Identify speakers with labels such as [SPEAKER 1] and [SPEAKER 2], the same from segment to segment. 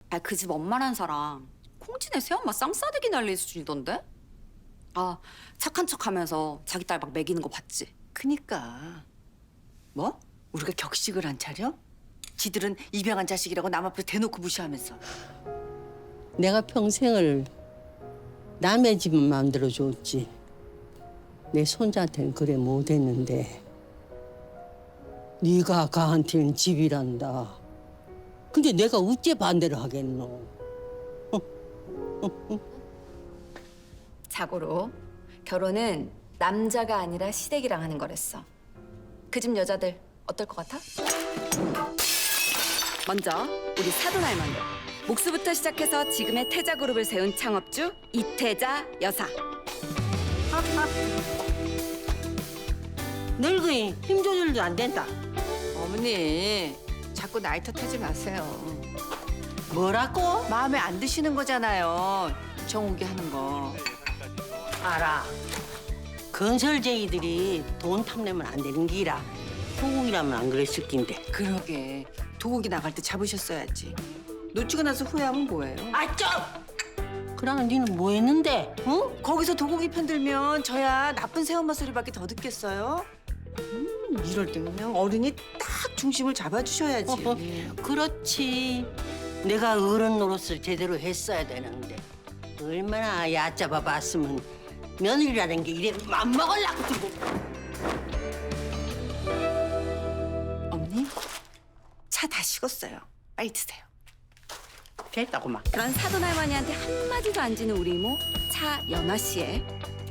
[SPEAKER 1] 아, 그 집 엄마란 사람 콩진에 새엄마 쌍싸대기 날릴 수준이던데? 아, 착한 척하면서 자기 딸 막 먹이는 거 봤지?
[SPEAKER 2] 그니까 뭐? 우리가 격식을 안 차려? 지들은 입양한 자식이라고 남 앞에서 대놓고 무시하면서.
[SPEAKER 3] 내가 평생을 남의 집은 만들어줬지. 내 손자한테는 그래 못했는데 네가 가한테는 집이란다. 근데 내가 어째 반대를 하겠노?
[SPEAKER 1] 자고로 결혼은 남자가 아니라 시댁이랑 하는 거랬어. 그 집 여자들 어떨 것 같아? 먼저 우리 사돈 할머니. 목수부터 시작해서 지금의 태자그룹을 세운 창업주 이태자 여사.
[SPEAKER 3] 늙으니 힘 조절도 안 된다.
[SPEAKER 2] 어머니 자꾸 나이 탓하지 마세요.
[SPEAKER 3] 뭐라고?
[SPEAKER 2] 마음에 안 드시는 거잖아요. 정욱이 하는 거.
[SPEAKER 3] 알아. 건설쟁이들이 돈 탐내면 안 되는 기라. 소국이라면 안 그랬을 낀데.
[SPEAKER 2] 그러게 도곡이 나갈 때 잡으셨어야지. 놓치고 나서 후회하면 뭐예요?
[SPEAKER 3] 아, 좀! 그러면 니는 뭐 했는데? 응?
[SPEAKER 2] 거기서 도곡이 편들면 저야 나쁜 새엄마 소리밖에 더 듣겠어요? 이럴 때면 어른이 딱 중심을 잡아주셔야지.
[SPEAKER 3] 그렇지. 내가 어른 노릇을 제대로 했어야 되는데 얼마나 얕잡아 봤으면 며느리라는 게 이래 맘먹으려고 들고.
[SPEAKER 2] 어머니 차 다 식었어요. 빨리 드세요.
[SPEAKER 3] 됐다고만.
[SPEAKER 1] 그런 사돈 할머니한테 한마디도 안 지는 우리 이모 차연화 씨의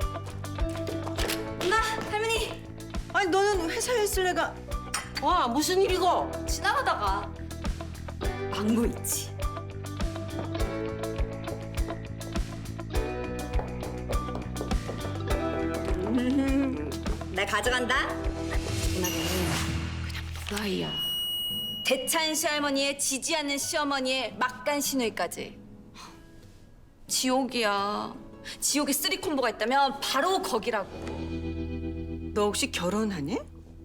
[SPEAKER 1] 나 할머니
[SPEAKER 2] 아니 너는 회사에 있을 애가.
[SPEAKER 3] 와, 무슨 일이고?
[SPEAKER 1] 지나가다가 망고 있지. 나 가져간다. 누나는 그냥 무아이야. 대찬 시할머니의 지지 않는 시어머니의 막간 시누이까지. 지옥이야. 지옥에 쓰리 콤보가 있다면 바로 거기라고.
[SPEAKER 2] 너 혹시 결혼하니?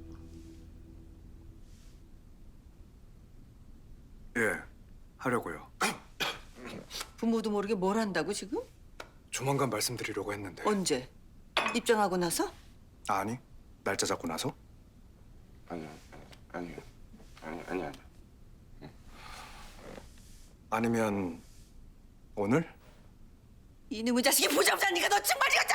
[SPEAKER 4] 예, 하려고요.
[SPEAKER 2] 부모도 모르게 뭘 한다고 지금?
[SPEAKER 4] 조만간 말씀드리려고 했는데.
[SPEAKER 2] 언제? 입장하고 나서?
[SPEAKER 4] 아니, 날짜 잡고 나서?
[SPEAKER 5] 아니요, 아니요, 아니요.
[SPEAKER 4] 아니면 오늘?
[SPEAKER 2] 이놈의 자식이 보자마자 네가 너 정말 이거자.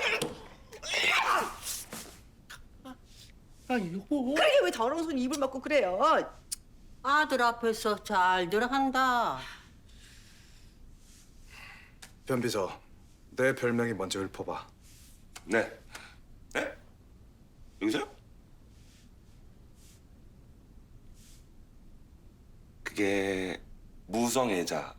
[SPEAKER 3] 아니, 여보.
[SPEAKER 2] 그러게 왜 더러운 손 입을 막고 그래요?
[SPEAKER 3] 아들 앞에서 잘 들어간다.
[SPEAKER 4] 변비서, 내 별명이 먼저 읊어봐.
[SPEAKER 5] 네. 네? 여기서요? 그게 무성애자.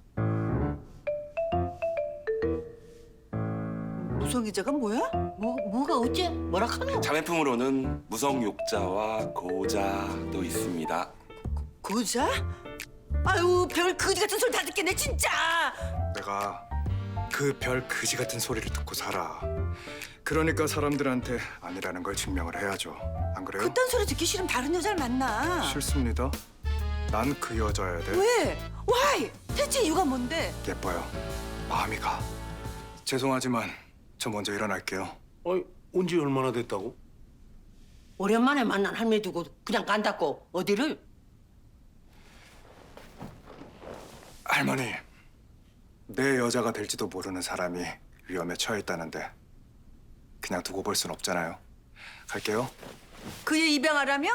[SPEAKER 2] 무성애자가 뭐야?
[SPEAKER 3] 뭐가 어째? 뭐라 카노?
[SPEAKER 5] 자매품으로는 무성욕자와 고자도 있습니다.
[SPEAKER 2] 고자? 아유 별 거지 같은 소리 다 듣겠네 진짜.
[SPEAKER 4] 내가 그 별 그지 같은 소리를 듣고 살아. 그러니까 사람들한테 아니라는 걸 증명을 해야죠. 안 그래요?
[SPEAKER 2] 그딴 소리 듣기 싫으면 다른 여자를 만나.
[SPEAKER 4] 싫습니다. 난 그 여자여야 돼.
[SPEAKER 2] 왜? Why? 대체 이유가 뭔데?
[SPEAKER 4] 예뻐요. 마음이 가. 죄송하지만 저 먼저 일어날게요.
[SPEAKER 6] 아니, 온지 얼마나 됐다고?
[SPEAKER 3] 오랜만에 만난 할매 두고 그냥 간다고 어디를?
[SPEAKER 4] 할머니, 내 여자가 될지도 모르는 사람이 위험에 처해 있다는데 그냥 두고 볼 순 없잖아요. 갈게요.
[SPEAKER 2] 그애 입양하라며?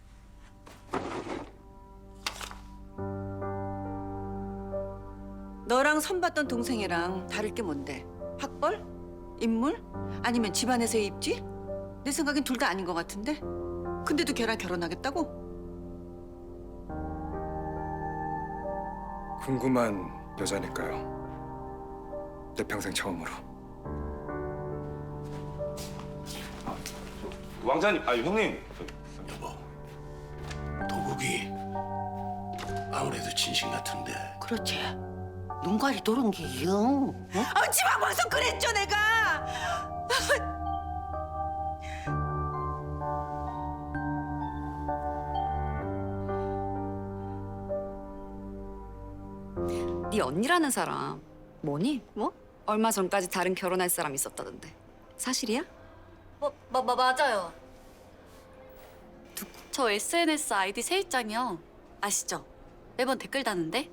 [SPEAKER 2] 너랑 선봤던 동생이랑 다를 게 뭔데? 학벌? 인물? 아니면 집안에서의 입지? 내 생각엔 둘 다 아닌 것 같은데? 근데도 걔랑 결혼하겠다고?
[SPEAKER 4] 궁금한 여자니까요. 내 평생 처음으로.
[SPEAKER 5] 왕자님, 형님.
[SPEAKER 6] 여보, 도국이 아무래도 진심 같은데.
[SPEAKER 3] 그렇지. 눈깔이 도는 게 영. 어?
[SPEAKER 2] 아, 지방 와서 그랬죠 내가.
[SPEAKER 1] 네 언니라는 사람 뭐니?
[SPEAKER 7] 뭐?
[SPEAKER 1] 얼마 전까지 다른 결혼할 사람 있었다던데. 사실이야?
[SPEAKER 7] 맞아요. 저 SNS 아이디 세입장이요. 아시죠? 매번 댓글 다는데?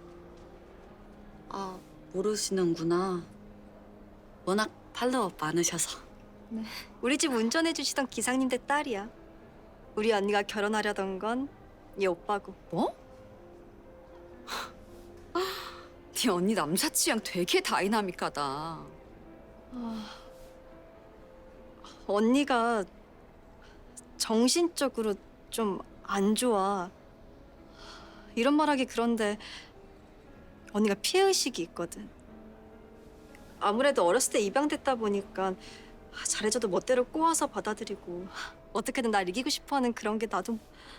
[SPEAKER 1] 아, 모르시는구나.
[SPEAKER 7] 워낙 팔로워 많으셔서.
[SPEAKER 8] 우리 집 운전해 주시던 기사님들 딸이야. 우리 언니가 결혼하려던 건 얘 오빠고.
[SPEAKER 1] 뭐? 네 언니 남자 취향 되게 다이나믹하다.
[SPEAKER 8] 언니가 정신적으로 좀 안 좋아. 이런 말하기 그런데 언니가 피해의식이 있거든. 아무래도 어렸을 때 입양됐다 보니까 잘해줘도 멋대로 꼬아서 받아들이고 어떻게든 날 이기고 싶어하는 그런 게 나도.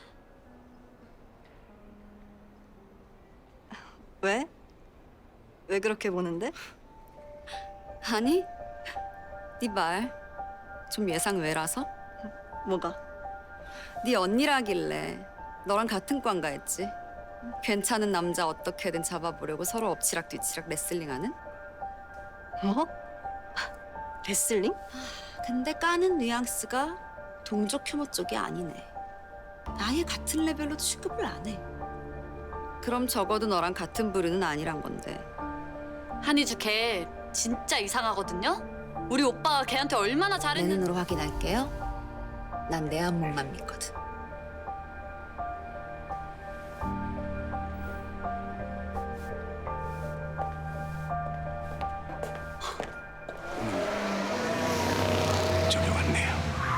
[SPEAKER 8] 왜? 왜 그렇게 보는데?
[SPEAKER 1] 아니, 네 말 좀 예상 외라서?
[SPEAKER 8] 뭐가?
[SPEAKER 1] 네 언니라길래 너랑 같은 과인가 했지. 괜찮은 남자 어떻게든 잡아보려고 서로 엎치락 뒤치락 레슬링하는?
[SPEAKER 8] 뭐? 레슬링?
[SPEAKER 1] 근데 까는 뉘앙스가 동족 혐오 쪽이 아니네. 아예 같은 레벨로 취급을 안 해. 그럼 적어도 너랑 같은 부류는 아니란 건데.
[SPEAKER 7] 한이주 걔 진짜 이상하거든요? 우리 오빠가 걔한테 얼마나
[SPEAKER 1] 내
[SPEAKER 7] 잘했는지.
[SPEAKER 1] 눈으로 확인할게요. 난 내 안목만 믿거든.
[SPEAKER 6] 저기 왔네요.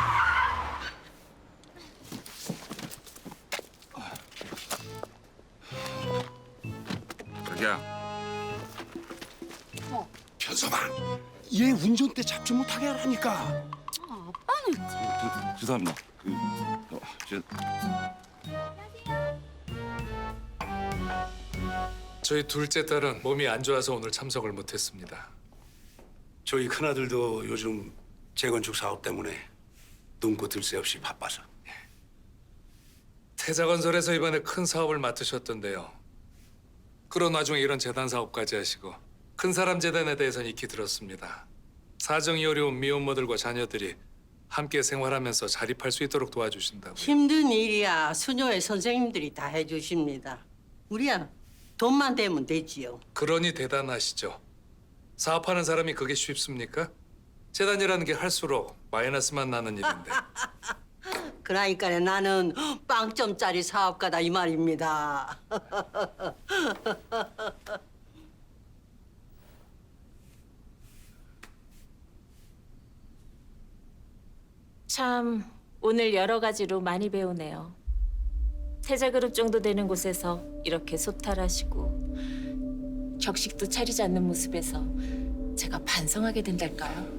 [SPEAKER 5] 자기야.
[SPEAKER 6] 현서봐, 얘 운전대 잡지 못하게 하라니까.
[SPEAKER 5] 죄송합니다.
[SPEAKER 9] 저희 둘째 딸은 몸이 안 좋아서 오늘 참석을 못했습니다.
[SPEAKER 6] 저희 큰아들도 요즘 재건축 사업 때문에 눈코 들 새 없이 바빠서.
[SPEAKER 9] 태자건설에서 이번에 큰 사업을 맡으셨던데요. 그런 와중에 이런 재단 사업까지 하시고 큰 사람 재단에 대해서는 익히 들었습니다. 사정이 어려운 미혼모들과 자녀들이 함께 생활하면서 자립할 수 있도록 도와주신다고.
[SPEAKER 3] 힘든 일이야 수녀회 선생님들이 다 해주십니다. 우리야 돈만 되면 되지요.
[SPEAKER 9] 그러니 대단하시죠. 사업하는 사람이 그게 쉽습니까? 재단이라는 게 할수록 마이너스만 나는 일인데.
[SPEAKER 3] 그러니까 나는 빵점짜리 사업가다 이 말입니다.
[SPEAKER 10] 참 오늘 여러 가지로 많이 배우네요. 태자그룹 정도 되는 곳에서 이렇게 소탈하시고 격식도 차리지 않는 모습에서 제가 반성하게 된달까요?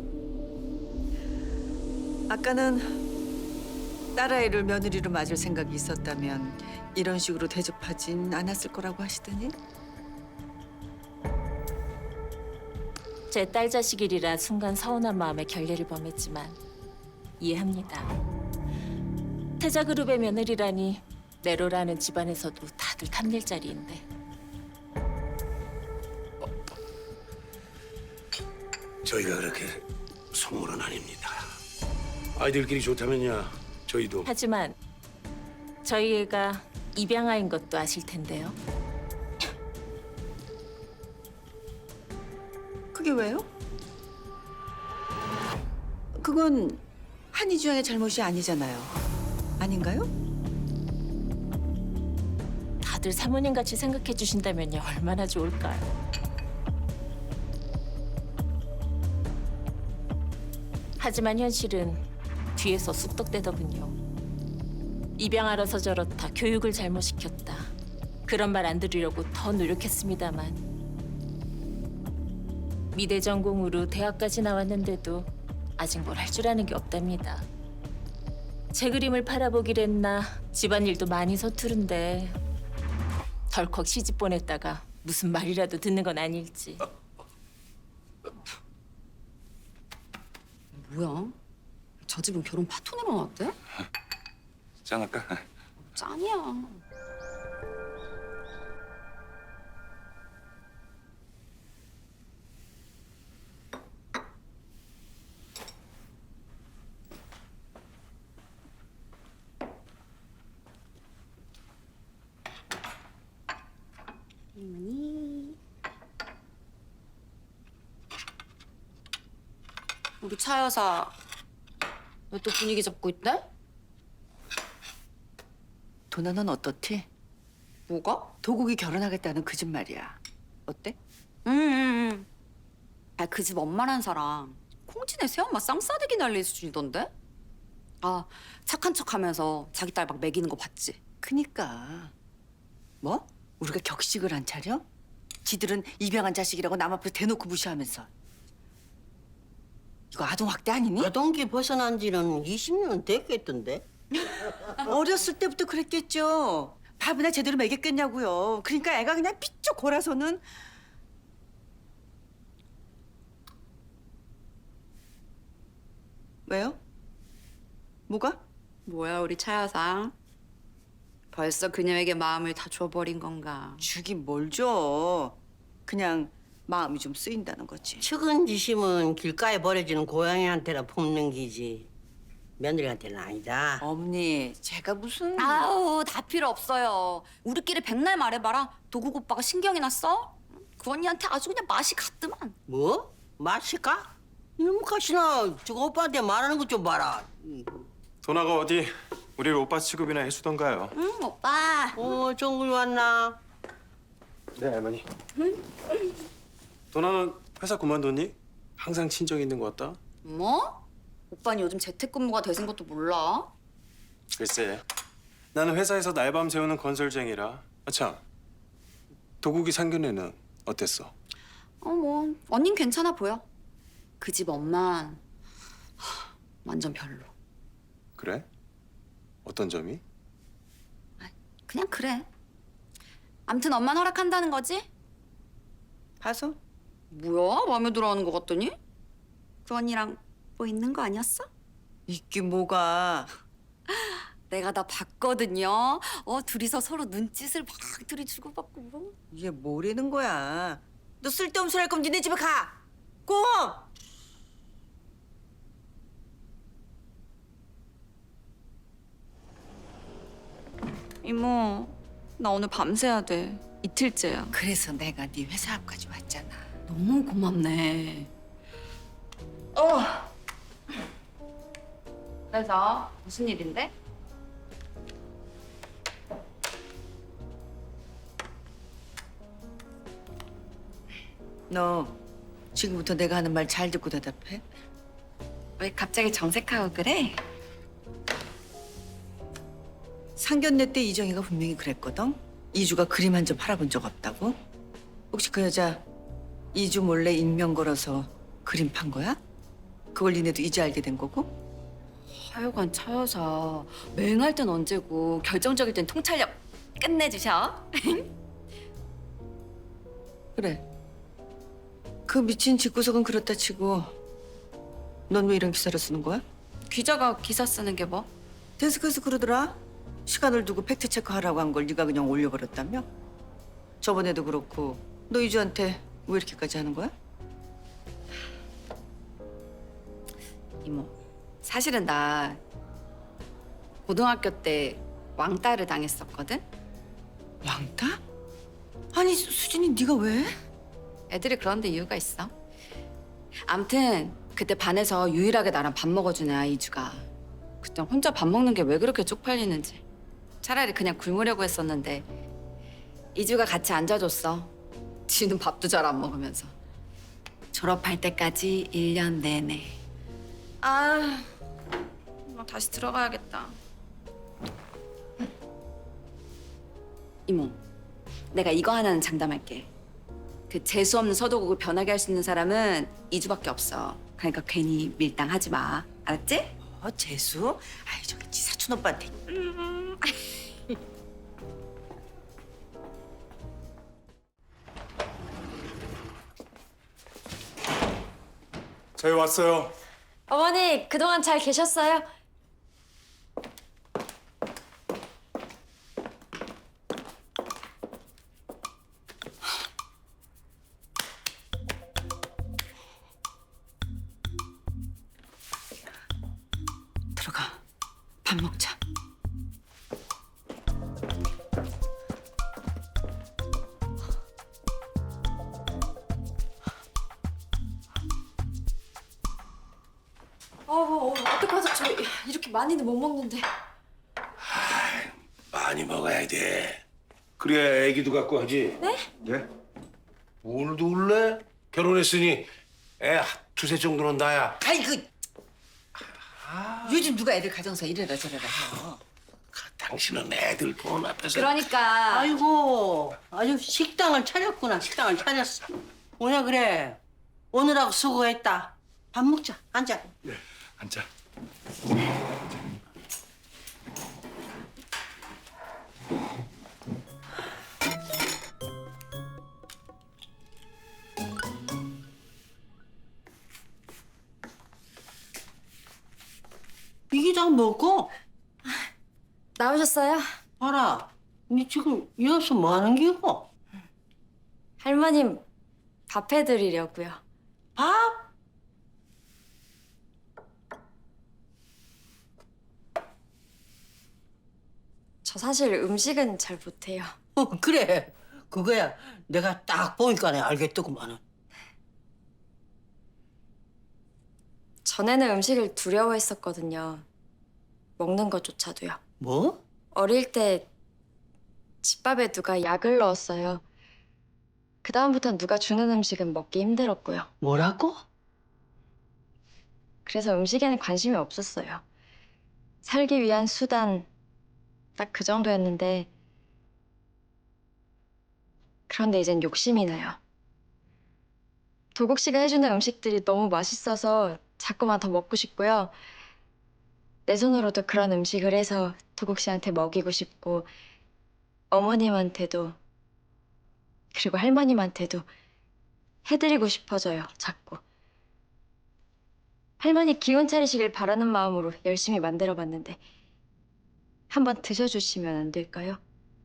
[SPEAKER 2] 아까는 딸아이를 며느리로 맞을 생각이 있었다면 이런 식으로 대접하진 않았을 거라고 하시더니.
[SPEAKER 10] 제 딸 자식이라 순간 서운한 마음에 결례를 범했지만 이해합니다. 태자그룹의 며느리라니 내로라는 집안에서도 다들 탐낼 자리인데
[SPEAKER 6] 저희가 그렇게 속물은 아닙니다. 아이들끼리 좋다면야 저희도.
[SPEAKER 10] 하지만 저희 애가 입양아인 것도 아실 텐데요.
[SPEAKER 2] 그게 왜요? 그건 한이주 양의 잘못이 아니잖아요. 아닌가요?
[SPEAKER 10] 다들 사모님같이 생각해 주신다면요 얼마나 좋을까요? 하지만 현실은 뒤에서 쑥덕대더군요. 입양하러서 저렇다, 교육을 잘못시켰다. 그런 말 안 들으려고 더 노력했습니다만 미대 전공으로 대학까지 나왔는데도 아직 뭘 할 줄 아는 게 없답니다. 제 그림을 팔아보기랬나 집안일도 많이 서투른데 덜컥 시집 보냈다가 무슨 말이라도 듣는 건 아닐지.
[SPEAKER 1] 뭐야? 저 집은 결혼 파토내러 나왔대?
[SPEAKER 5] 짠할까?
[SPEAKER 1] 짠이야. 우리 차 여사 왜 또 분위기 잡고 있대?
[SPEAKER 2] 도나 넌 어떻지?
[SPEAKER 1] 뭐가?
[SPEAKER 2] 도국이 결혼하겠다는 그 집 말이야. 어때?
[SPEAKER 1] 응. 아, 그 집 엄마란 사람 콩진의 새엄마 쌍싸대기 날릴 수준이던데? 아, 착한 척하면서 자기 딸 막 먹이는 거 봤지?
[SPEAKER 2] 그니까. 뭐? 우리가 격식을 안 차려? 지들은 입양한 자식이라고 남 앞에서 대놓고 무시하면서. 이거 아동학대 아니니?
[SPEAKER 3] 아동기 벗어난 지는 20년 됐겠던데.
[SPEAKER 2] 어렸을 때부터 그랬겠죠. 밥이나 제대로 먹였겠냐고요. 그러니까 애가 그냥 삐쩍 골아서는. 왜요? 뭐가?
[SPEAKER 1] 뭐야, 우리 차 여사. 벌써 그녀에게 마음을 다 줘버린 건가?
[SPEAKER 2] 주긴 뭘 줘. 그냥 마음이 좀 쓰인다는 거지.
[SPEAKER 3] 측은지심은 길가에 버려지는 고양이한테나 품는 기지. 며느리한테는 아니다.
[SPEAKER 2] 어머니, 제가 무슨...
[SPEAKER 1] 아우, 다 필요 없어요. 우리끼리 백날 말해봐라. 도국 오빠가 신경이 났어? 그 언니한테 아주 그냥 맛이 갔더만.
[SPEAKER 3] 뭐? 마실까? 이놈 가시나 저거 오빠한테 말하는 것 좀 봐라.
[SPEAKER 4] 도나가 어디 우리를 오빠 취급이나 해주던가요?
[SPEAKER 1] 응, 오빠.
[SPEAKER 3] 종글 왔나?
[SPEAKER 4] 네, 할머니. 도나는 회사 그만뒀니? 항상 친정 있는 것 같다.
[SPEAKER 1] 뭐? 오빠는 요즘 재택근무가 대신 것도 몰라?
[SPEAKER 4] 글쎄, 나는 회사에서 날밤 새우는 건설쟁이라. 아참, 도국이 상견례는 어땠어?
[SPEAKER 1] 뭐 언닌 괜찮아 보여. 그 집 엄만 완전 별로.
[SPEAKER 4] 그래? 어떤 점이?
[SPEAKER 1] 그냥 그래. 암튼 엄만 허락한다는 거지?
[SPEAKER 2] 봐서?
[SPEAKER 1] 뭐야? 마음에 들어하는 거 같더니? 그 언니랑 뭐 있는 거 아니었어?
[SPEAKER 2] 있긴 뭐가.
[SPEAKER 1] 내가 다 봤거든요. 둘이서 서로 눈짓을 막 둘이 주고받고 뭐.
[SPEAKER 2] 이게 뭐라는 거야. 너 쓸데없는 소리 할 거면 니네 집에 가. 고!
[SPEAKER 1] 이모, 나 오늘 밤새야 돼. 이틀째야.
[SPEAKER 2] 그래서 내가 네 회사 앞까지 왔잖아.
[SPEAKER 1] 너무 고맙네. 그래서 무슨 일인데?
[SPEAKER 2] 너 지금부터 내가 하는 말 잘 듣고 대답해.
[SPEAKER 1] 왜 갑자기 정색하고 그래?
[SPEAKER 2] 상견례 때 이정희가 분명히 그랬거든. 이주가 그림 한 점 팔아본 적 없다고. 혹시 그 여자 이주 몰래 익명 걸어서 그림 판 거야? 그걸 니네도 이제 알게 된 거고?
[SPEAKER 1] 하여간 차 여사 맹할 땐 언제고 결정적일 땐 통찰력 끝내주셔.
[SPEAKER 2] 그래. 그 미친 집구석은 그렇다 치고 넌 왜 이런 기사를 쓰는 거야?
[SPEAKER 1] 기자가 기사 쓰는 게 뭐?
[SPEAKER 2] 데스크에서 그러더라. 시간을 두고 팩트 체크하라고 한 걸 네가 그냥 올려버렸다며? 저번에도 그렇고 너 이주한테 왜 이렇게까지 하는 거야?
[SPEAKER 1] 이모, 사실은 나 고등학교 때 왕따를 당했었거든?
[SPEAKER 2] 왕따? 아니 수진이 네가 왜?
[SPEAKER 1] 애들이 그런데 이유가 있어. 암튼 그때 반에서 유일하게 나랑 밥 먹어주는 아이 이주가 그때 혼자 밥 먹는 게 왜 그렇게 쪽팔리는지 차라리 그냥 굶으려고 했었는데 이주가 같이 앉아줬어. 지는 밥도 잘 안 먹으면서. 졸업할 때까지 1년 내내. 나 다시 들어가야겠다. 이모, 내가 이거 하나는 장담할게. 그 재수 없는 서도국을 변하게 할 수 있는 사람은 이주밖에 없어. 그러니까 괜히 밀당하지 마. 알았지?
[SPEAKER 2] 재수? 아이 저기 지 사촌 오빠한테.
[SPEAKER 4] 저희 왔어요.
[SPEAKER 8] 어머니 그동안 잘 계셨어요?
[SPEAKER 2] 들어가. 밥 먹자.
[SPEAKER 8] 어떡하죠? 저 이렇게 많이는 못 먹는데.
[SPEAKER 6] 많이 먹어야 돼. 그래야 애기도 갖고 하지.
[SPEAKER 8] 네?
[SPEAKER 4] 예?
[SPEAKER 6] 뭘 둘래? 결혼했으니 애 두세 정도는 나야.
[SPEAKER 2] 아이고 요즘 누가 애들 가정사 이래라 저래라 해요.
[SPEAKER 6] 당신은 애들 돈 앞에서.
[SPEAKER 1] 그러니까
[SPEAKER 3] 아이고, 아주 식당을 차렸구나. 식당을 차렸어. 뭐냐 그래. 오늘하고 수고했다. 밥 먹자. 앉아.
[SPEAKER 4] 앉아.
[SPEAKER 3] 이게 다 먹고.
[SPEAKER 8] 나오셨어요?
[SPEAKER 3] 봐라. 니 지금 여기서 뭐 하는 기고?
[SPEAKER 8] 할머님 밥 해드리려고요.
[SPEAKER 3] 밥?
[SPEAKER 8] 저 사실 음식은 잘 못해요.
[SPEAKER 3] 그래. 그거야. 내가 딱 보니까 알겠더구만은.
[SPEAKER 8] 전에는 음식을 두려워했었거든요. 먹는 것조차도요.
[SPEAKER 3] 뭐?
[SPEAKER 8] 어릴 때 집밥에 누가 약을 넣었어요. 그다음부터는 누가 주는 음식은 먹기 힘들었고요.
[SPEAKER 3] 뭐라고?
[SPEAKER 8] 그래서 음식에는 관심이 없었어요. 살기 위한 수단 딱 그 정도였는데 그런데 이젠 욕심이 나요. 도국 씨가 해주는 음식들이 너무 맛있어서 자꾸만 더 먹고 싶고요. 내 손으로도 그런 음식을 해서 도국 씨한테 먹이고 싶고 어머님한테도 그리고 할머님한테도 해드리고 싶어져요, 자꾸. 할머니 기운 차리시길 바라는 마음으로 열심히 만들어봤는데 한번 드셔주시면 안 될까요?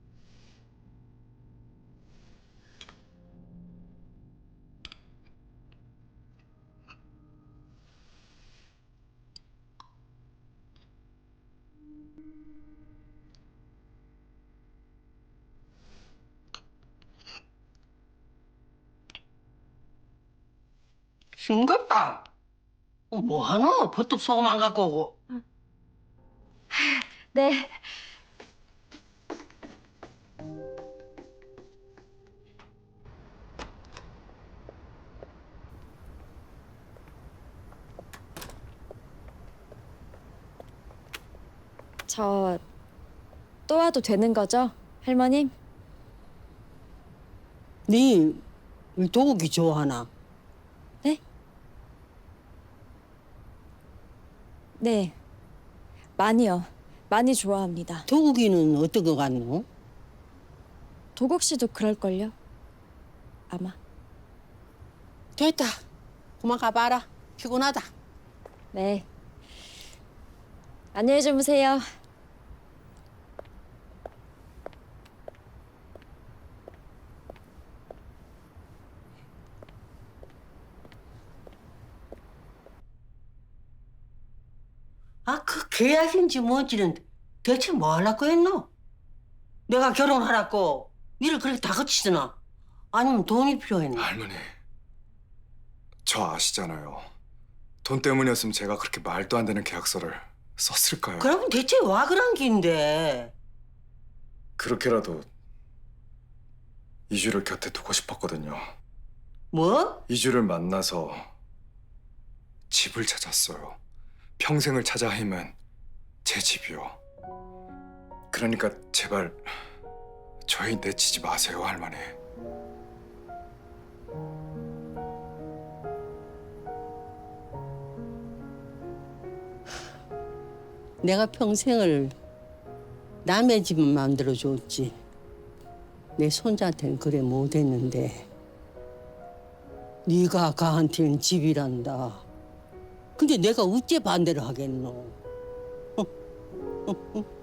[SPEAKER 3] 싱겁다. 뭐하노? 버뚝 소금 안 갖고 오고.
[SPEAKER 8] 네. 저 또 와도 되는 거죠, 할머님?
[SPEAKER 3] 네 도국이 좋아하나?
[SPEAKER 8] 네? 네. 많이요. 많이 좋아합니다.
[SPEAKER 3] 도국이는 어떤 거 같노?
[SPEAKER 8] 도국 씨도 그럴걸요? 아마.
[SPEAKER 3] 됐다. 그만 가봐라. 피곤하다.
[SPEAKER 8] 네. 안녕히 주무세요.
[SPEAKER 3] 아, 그 계약인지 뭔지는 대체 뭐 하려고 했노? 내가 결혼하라고 일을 그렇게 다 거치드나? 아니면 돈이 필요했나?
[SPEAKER 4] 할머니, 저 아시잖아요. 돈 때문이었으면 제가 그렇게 말도 안 되는 계약서를 썼을까요?
[SPEAKER 3] 그러면 대체 와 그런 긴데?
[SPEAKER 4] 그렇게라도 이주를 곁에 두고 싶었거든요.
[SPEAKER 3] 뭐?
[SPEAKER 4] 이주를 만나서 집을 찾았어요. 평생을 찾아 헤맨 제 집이요. 그러니까 제발 저희 내치지 마세요, 할머니.
[SPEAKER 3] 내가 평생을 남의 집만 만들어줬지. 내 손자한테는 그래 못했는데 네가 가한테는 집이란다. 근데 내가 어째 반대를 하겠노?